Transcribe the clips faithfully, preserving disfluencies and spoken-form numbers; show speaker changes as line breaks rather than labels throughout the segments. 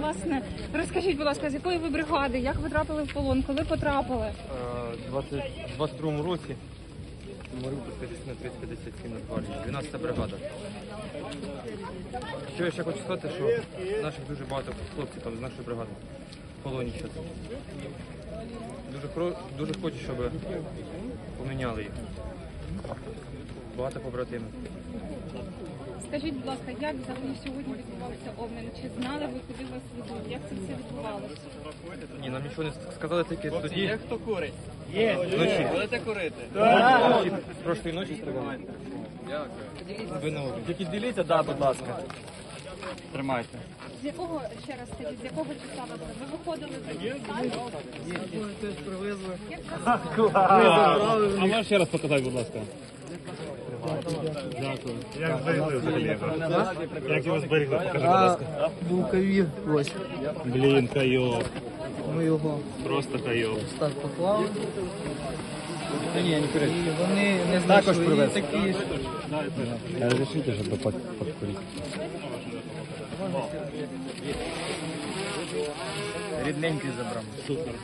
Власне, розкажіть, будь ласка, з якої ви бригади, як ви трапили в полон, коли потрапили?
У двадцять другому році Маріупольська частина триста п'ятдесят сім Нацгвардії, дванадцята бригада. Що я ще хочу сказати, що наших дуже багато хлопців там з нашої бригади в полоні зараз. Дуже, хро- дуже хочу, щоб поміняли їх. Багато побратимів.
Скажіть, будь ласка, як взагалі сьогодні відбувався обмін? Чи знали ви, куди вас ведуть? Як це все відбувалося?
Ні, нам нічого не сказали тільки тоді.
Є хто курить?
Є. Вночі.
Будете курити?
Вночі, прошлої ночі стріляли. Ви на облі.
Тільки діліться, да, будь ласка. Тримайте.
З якого, ще раз скажіть, з якого числа ви були? Ви виходили з
Теж привезли.
А можеш ще раз показати, будь ласка? Дякую. Як зберегли взагалі його? Як його зберегли? Покажи, будь ласка.
Був ковід, ось
Блін, кайов.
ми його
Просто кайов.
так поклали.
Та ні, не курить.
І вони не
Також
знайшли
привез.
такі ж.
Разрешите, щоб покурити.
Рідненький забрав.
Супер.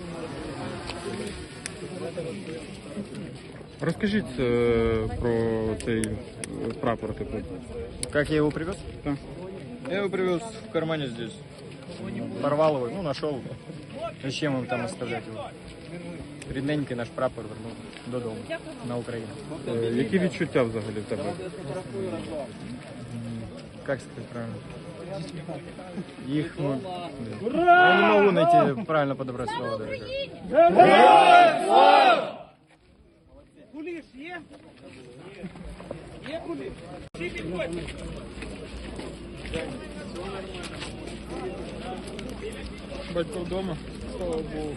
Розкажіть е, про цей е, прапор типу.
Как я его привез? Я его привез в кармане здесь. Порвал его, ну, нашел. Зачем им там оставлять его? Рідненький наш прапор вернув додому, на Україну.
Е, які відчуття взагалі в тебе?
Как сказать правильно? Их, ну, я не могу найти правильно подобрать слово даже.
Батько вдома, слава Богу.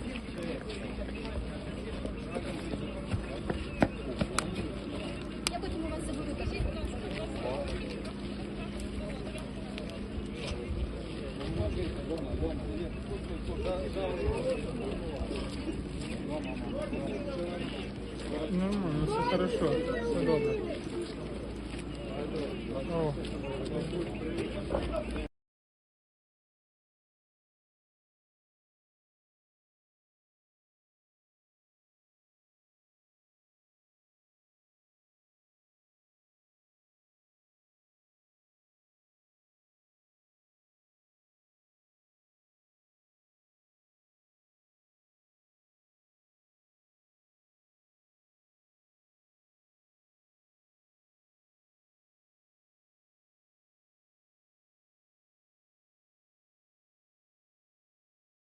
Я потім у вас заберу, кажіть, будь ласка.
Нормально, все хорошо, все добре. О.